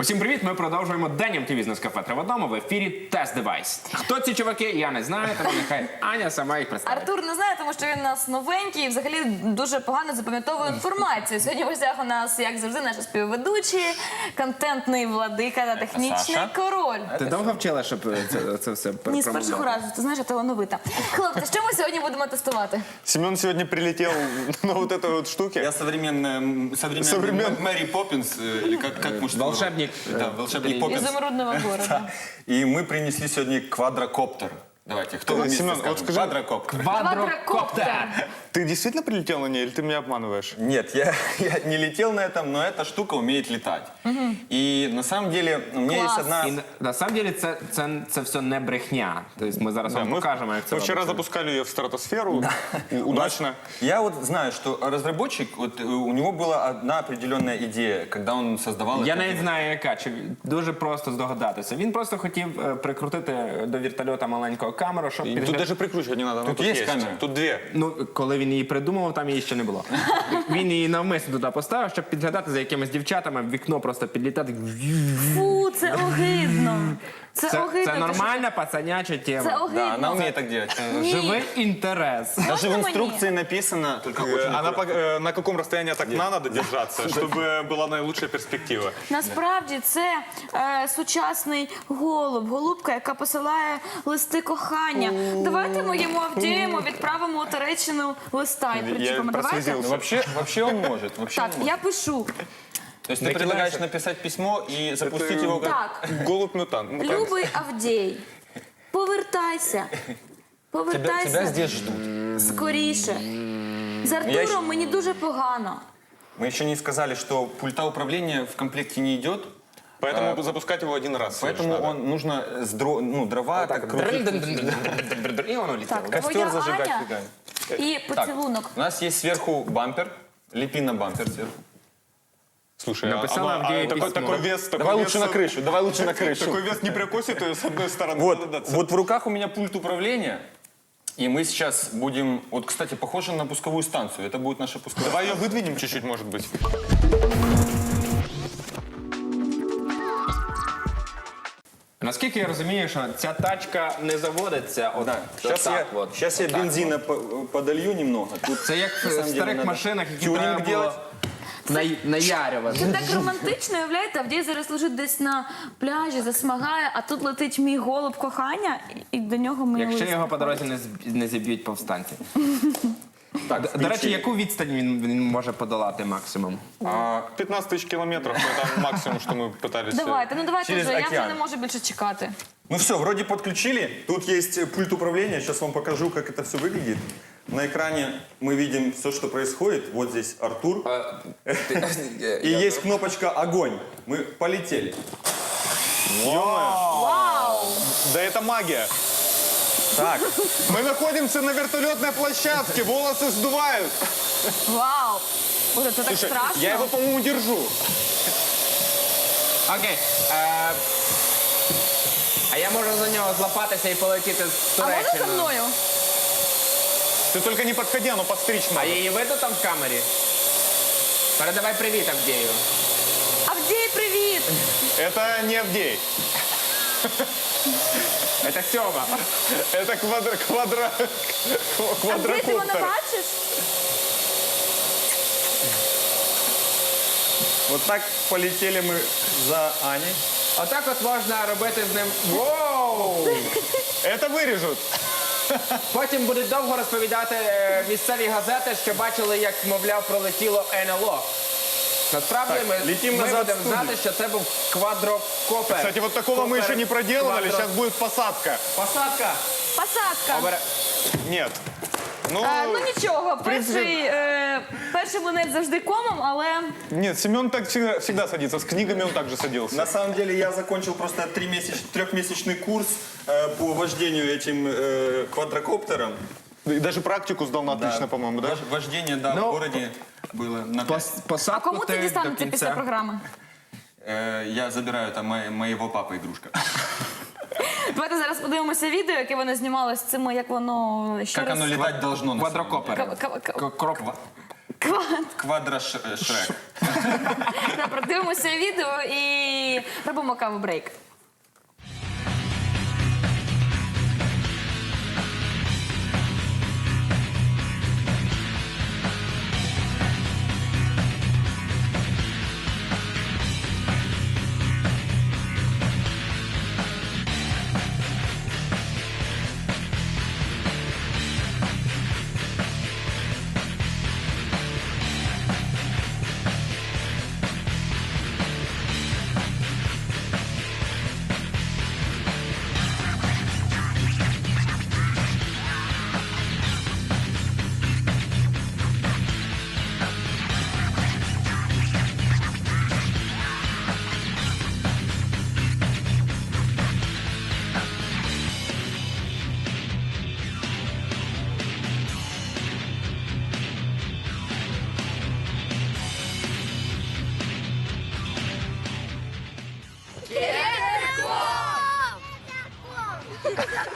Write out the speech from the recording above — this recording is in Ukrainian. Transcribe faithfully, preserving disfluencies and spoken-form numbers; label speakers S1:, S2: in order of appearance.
S1: Усім привіт! Ми продовжуємо День ем ті ві з Нескафе «Три в одному» в ефірі Тест Девайс. Хто ці чуваки, я не знаю, тому нехай Аня сама їх представить.
S2: Артур не знає, тому що він у нас новенький і взагалі дуже погано запам'ятовує інформацію. Сьогодні в гостях у нас, як завжди, наші співведучі, контентний владика та технічний
S3: Саша.
S2: король.
S1: Ти довго вчила, щоб це, це все
S2: Ні, з першого разу, ти знаєш, я талановита. Хлопці, що ми сьогодні будемо тестувати?
S3: Семен сегодня прилетел на вот этой вот штуке.
S4: Я современная, м, современный
S3: Современ-
S4: Мэри Поппинс, э, или как, как может
S1: Волшебник.
S4: Да, волшебник Поппинс.
S2: Ізумрудного города.
S4: И мы принесли сегодня квадрокоптер. Давайте, кто вместе
S3: Семен,
S4: скажет?
S3: вот скажи-
S4: Квадрокоптер.
S2: Квадрокоптер.
S3: Ты действительно прилетел на ней или ты меня обманываешь?
S4: Нет, я, я не летел на этом, но эта штука умеет летать. И на самом деле у меня
S2: Класс.
S4: есть одна...
S1: І на, на самом деле це, це, це все не брехня. Тобто ми зараз вам
S3: мы,
S1: покажемо, як це
S3: мы вчера
S1: робиться.
S3: запускали ее в стратосферу. У- Удачно.
S4: Я вот знаю, что разработчик, вот, э, у него была одна определенная идея, когда он создавал...
S1: Я
S4: это-
S1: навіть знаю, яка. Чи дуже просто здогадатися. Він просто хотів е, прикрутити до вертольота маленького камеру, щоб
S3: И
S1: підгляд-
S3: тут даже прикручивать не надо. она
S4: Тут есть камера?
S3: Тут две.
S1: Ну, коли він її придумував, там її ще не було. Він її навмисно туди поставив, щоб підглядати за якимись дівчатами, в вікно просто підлітати.
S2: Фу, це огидно. Це,
S1: Це,
S2: огидно.
S1: це
S2: ти
S1: нормальна пацаняча
S2: що-
S1: тема.
S2: Це огидно.
S4: Да, она умеет так делать.
S2: Ні.
S1: Живий інтерес.
S4: Даже в
S2: Можно мне?
S4: инструкции написано, только очень
S3: Э, Она
S4: аккуратно.
S3: по- э, на каком расстоянии от окна надо держаться, чтобы была наилучшая перспектива.
S2: Насправді це е, сучасний голуб, голубка, яка посилає листи кохання. Давайте ми йому Авдієму відправимо у Туреччину листа і причепимо. Давайте.
S3: прослезился.
S4: Ну, Вообще, вообще он может. Вообще
S2: Так,
S4: он может.
S2: я пишу.
S4: То есть ты предлагаешь написать письмо и запустить
S3: Это-
S4: его как...
S2: Так,
S3: Голубь-мутант. мутант.
S2: любий Авдій, повертайся.
S4: Тебя,
S2: Повертайся
S4: тебя здесь ждут.
S2: скоріше. З
S4: Я
S2: Артуром
S4: ще-
S2: мені дуже погано.
S4: Мы еще не сказали, что пульта управления в комплекте не идет,
S3: Поэтому запускать его один раз. всего лишь
S4: поэтому
S3: надо.
S4: он нужно с дро... ну, дрова так крутить.
S1: І воно літало.
S2: Так,
S4: Костер
S2: твоя
S4: зажигать
S2: Аня
S4: фигаем.
S2: і поцілунок.
S4: У нас есть сверху бампер. Лепи на бампер сверху.
S3: Слушай, а-
S1: Написала
S3: а- а
S1: Авдея
S3: такой,
S1: письмо.
S3: такой вес... такой
S4: Давай
S3: вес-
S4: лучше на крышу, давай лучше на крышу.
S3: Такой вес не прикосит ее с одной стороны.
S4: Вот,
S3: надо даться.
S4: вот в руках у меня пульт управления. И мы сейчас будем... Вот, кстати, похоже на пусковую станцию. Это будет наша пусковая
S3: Давай ее выдвинем чуть-чуть, может быть.
S1: Наскільки я розумію, що ця тачка не заводиться от,
S4: Да. Сейчас
S1: отак
S4: я,
S1: от.
S4: сейчас я
S1: Отак
S4: бензина по- подолью немного. Тут
S1: Це як
S4: на
S1: в
S4: самом деле
S1: старих
S4: надо
S1: машинах, які
S4: тюнинг
S1: треба було
S4: делать.
S1: на- наярювати.
S2: Це так романтично, уявляєте, Авдій зараз лежить десь на пляжі, засмагає, а тут летить мій голуб кохання, і до нього мій
S1: Якщо
S2: лист.
S1: його по дорозі не, зб- не зіб'ють повстанці.
S4: Так,
S1: До- До речі, яку відстань він, він може подолати максимум?
S4: а,
S3: пятнадцать тысяч километров. Это максимум, что мы пытались... э,
S2: Давайте, ну давайте
S4: Через
S2: вже, я вже
S4: океан.
S2: не можу більше чекати.
S4: Ну все, вроде подключили. Тут есть э, пульт управления. Сейчас вам покажу, как это все выглядит. На экране мы видим все, что происходит. Вот здесь Артур. И есть кнопочка «Огонь». Мы полетели.
S2: Вау!
S3: Да это магия.
S4: Так,
S3: Мы находимся на вертолетной площадке, волосы сдувают.
S2: Вау! Боже, це так
S3: Слушай,
S2: страшно.
S3: я его, по-моему, держу.
S1: Окей. Е, а я можу за нього злапатися і полетіти з
S2: А можна за
S1: Туреччини.
S2: мною?
S3: Ты только не подходи, оно подстричь
S1: А
S3: надо.
S1: її видно там в камері? Передавай привіт Авдію.
S2: Авдій, привіт!
S3: Это не Авдей.
S1: Це Сьома.
S3: Это квадра... квадра...
S2: Авдій, ти мене
S3: квадрокоптер.
S2: бачиш?
S4: вот так полетели мы за Аней.
S1: Отак от можна робити з ним. Воу!
S3: Это вырежут.
S1: Потім будуть довго розповідати е, місцеві газети, що бачили, як, мовляв, пролетіло ен ел о. Насправді
S4: Так,
S1: ми,
S4: летім
S1: ми
S4: назад в
S1: будемо
S4: студію.
S1: знати, що це був квадрокопер.
S3: Кстати, вот такого мы еще не проделывали, сейчас будет посадка.
S1: Посадка.
S2: Посадка.
S1: Обере-
S3: Нет. Ну,
S2: Е, ну нічого,
S3: принципі-
S2: перший, е, перший монет завжди комом, але
S3: нет, Семен так всегда, всегда садится. С книгами он также садился.
S4: На самом деле я закончил просто тримесяч- трехмесячный курс э, по вождению этим э, квадрокоптером.
S3: И даже практику сдал на отлично, по-моему, да?
S4: Вож- Вождение, да,
S1: Ну,
S4: в городе было на пять.
S1: Пос- Посадку
S2: кому це
S1: ти до
S2: дістанеться після
S1: кінця.
S2: програми?
S4: Э, я забираю там мо- моего папы игрушка.
S2: Давайте зараз подивимося відео, яке вони знімали з цим, як воно ще
S4: Как
S2: раз...
S4: оно летать должно. на самом
S1: Квадрокопер.
S4: деле.
S2: К- к- к-
S1: К- Кроп.
S2: Квад.
S3: Квадрошрек.
S2: Добре, дивимося відео і робимо каву брейк.
S5: Кирков!